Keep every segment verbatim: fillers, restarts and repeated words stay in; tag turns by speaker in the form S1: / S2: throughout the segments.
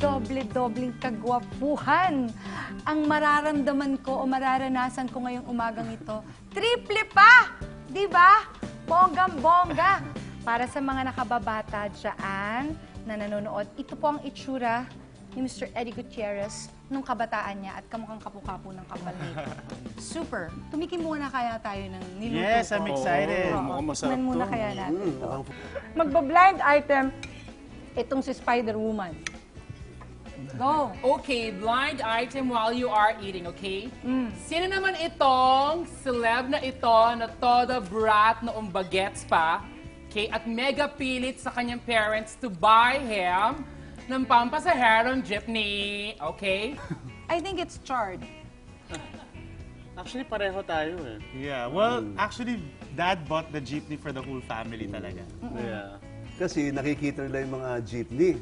S1: doble-dobleng kagwapuhan ang mararamdaman ko o mararanasan ko ngayong umagang ito. Triple pa! Di ba? Bonggang-bongga! Para sa mga nakababata dyan na nanonood, ito po ang itsura ni Mister Eddie Gutierrez nung kabataan niya at kamukhang kapu-kapo ng kapal nito. Super! Tumikim muna kaya tayo ng niluto
S2: Yes, I'm
S1: ko.
S2: excited.
S1: Oo,
S2: Mukhang masarap
S1: tikman muna
S2: to.
S1: kaya natin
S3: Mm,
S1: to.
S3: mukhang-
S1: Magba-blind item, itong si Spider-Woman. Go!
S4: Okay, blind item while you are eating, okay?
S1: Mm.
S4: Sino naman itong celeb na ito na todo brat noong bagets pa, okay, at mega pilit sa kanyang parents to buy him ng pampasaherong jeepney, okay?
S1: I think it's charred.
S2: Actually, pareho tayo eh. Yeah, well, actually, Dad bought the jeepney for the whole family talaga. Yeah.
S3: Kasi nakikita nila yung mga jeepney.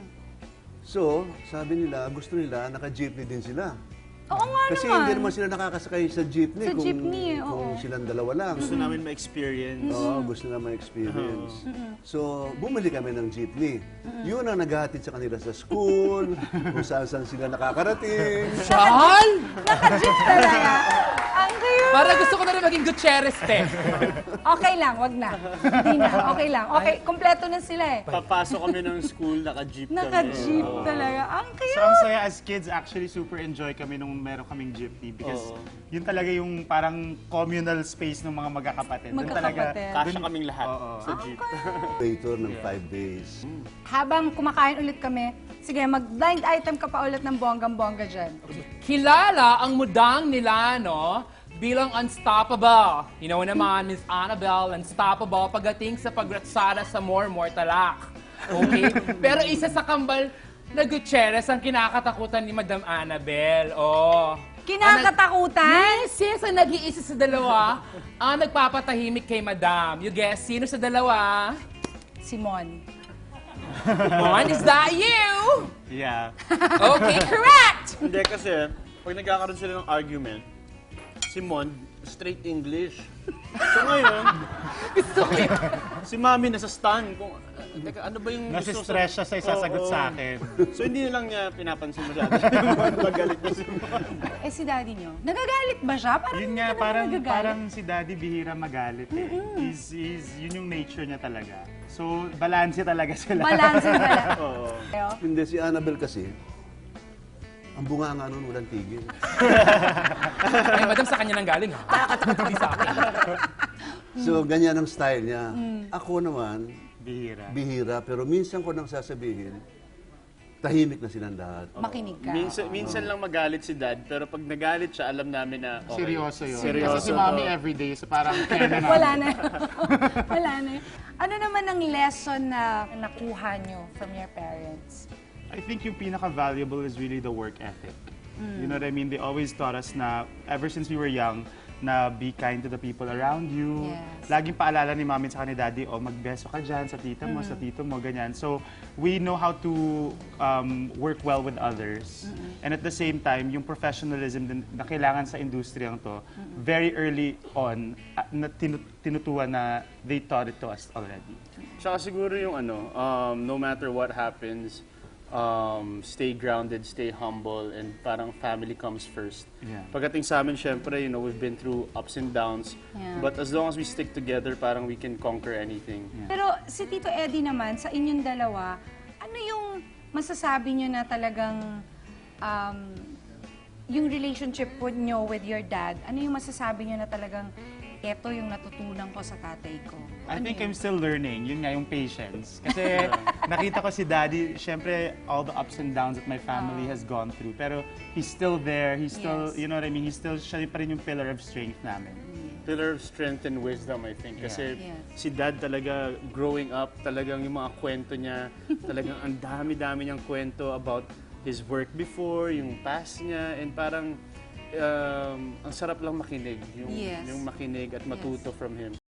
S3: So, sabi nila, gusto nila, naka-jeepney din sila.
S1: Oo nga
S3: Kasi
S1: naman.
S3: hindi naman sila nakakasakay sa jeepney
S1: Sa
S3: kung,
S1: jeepney, eh, oo.
S3: kung silang dalawa lang.
S2: Gusto namin ma-experience.
S3: Oo, gusto na ma-experience. So, bumili kami ng jeepney. Yun ang naghahatid sa kanila sa school, kung saan-saan sila nakakarating.
S4: Chal!
S1: Naka-jeep talaga. Ang cute.
S4: Para gusto ko na rin maging Gutierrez, te.
S1: Okay lang, wag na. Hindi na, okay lang. Okay, kompleto na sila eh.
S2: Papasok kami ng school, naka-jeep kami.
S1: Naka-jeep talaga. Ang
S2: So,
S1: cute.
S2: ang saya as kids, actually super enjoy kami nung meron kaming jeepney because
S5: Oo.
S2: yun talaga yung parang communal space ng mga magkakapatid. Doon talaga,
S1: Magkakapatid.
S5: Kasya kaming lahat
S2: Oo.
S5: sa jeep.
S3: Later ng five days.
S1: Habang kumakain ulit kami, sige, mag-blind item ka pa ulit ng bonggang-bongga dyan.
S4: Kilala ang mudang nila, no? Bilang unstoppable. You know naman, Miss Annabelle, unstoppable pagdating sa pagratsada sa more more talak. Okay? Pero isa sa kambal na Gutierrez ang kinakatakutan ni Madam Annabelle. Oh.
S1: Kinakatakutan?
S4: Yes, yes, ang nag-iisa sa dalawa ang nagpapatahimik kay Madam. You guess, sino sa dalawa?
S1: Simon.
S4: Mon, is that you?
S2: Yeah.
S4: Okay, correct!
S5: Hindi kasi, pag nagkakaroon sila ng argument, si Mon, straight English. So ngayon,
S4: Gusto ko yun.
S5: si Mami nasa stun. Kung, teka, ano ba yung gusto
S2: Nasi-stress siya sa isasagot
S5: Oo.
S2: sa akin.
S5: So hindi na lang niya pinapansin masyado. Magalit na si Mon.
S1: Eh si daddy nyo, nagagalit ba siya? Parang
S2: Yun
S1: hindi
S2: nga,
S1: ka naman
S2: parang,
S1: nagagalit.
S2: parang si Daddy bihira magalit eh. He's, he's, yun yung nature niya talaga. So, balanse talaga sila.
S1: Balance na pala.
S5: Oo.
S3: Hindi, si Annabelle kasi, ang bunga nga nun, walang tigil.
S4: Ay, Madam, sa kanya nang galing, ha? Nakakatakot hindi sa akin.
S3: So, ganyan ang style niya. Ako naman,
S2: Bihira.
S3: bihira, pero minsan ko nang sasabihin, tahimik na silang lahat.
S1: Makinig ka.
S5: Minsan, minsan lang magalit si Dad, pero pag nagalit siya, alam namin na okay.
S2: Seryoso yun.
S5: Seryoso
S2: Kasi si
S5: to.
S2: Mommy everyday, so parang kaya na namin.
S1: Wala na. Wala na. Ano naman ang lesson na nakuha nyo from your parents?
S2: I think yung pinaka-valuable is really the work ethic. You know what I mean? They always taught us na, ever since we were young, na be kind to the people around you.
S1: Yes.
S2: Laging paalala ni Mami sa ni Daddy, oh, magbeso ka dyan sa tita mo, sa tito mo, ganyan. So, we know how to um, work well with others. And at the same time, yung professionalism din na kailangan sa industriyang to, very early on, uh, na tinu- tinutuan na they taught it to us already.
S5: Tsaka siguro yung ano, um, no matter what happens, um, stay grounded, stay humble, and parang family comes first.
S2: Yeah.
S5: Pagdating sa amin, syempre, you know, we've been through ups and downs.
S1: Yeah.
S5: But as long as we stick together, parang we can conquer anything.
S1: Pero si Tito Eddie naman, sa inyong dalawa, ano yung masasabi nyo na talagang um, yung relationship po nyo with your dad, ano yung masasabi nyo na talagang eto yung natutunan ko sa tatay ko?
S2: I
S1: Ano
S2: think
S1: yun?
S2: I'm still learning. Yun nga, yung patience. Kasi nakita ko si Daddy, syempre, all the ups and downs that my family has gone through. Pero he's still there. He's still,
S1: Yes.
S2: you know what I mean? He's still, siya pa rin yung pillar of strength namin.
S5: Pillar of strength and wisdom, I think. Kasi
S1: Yeah.
S5: si Dad talaga, growing up, talagang yung mga kwento niya, talagang ang dami-dami niyang kwento about his work before, yung past niya, and parang um, ang sarap lang makinig. Yung,
S1: Yes.
S5: yung makinig at matuto from him.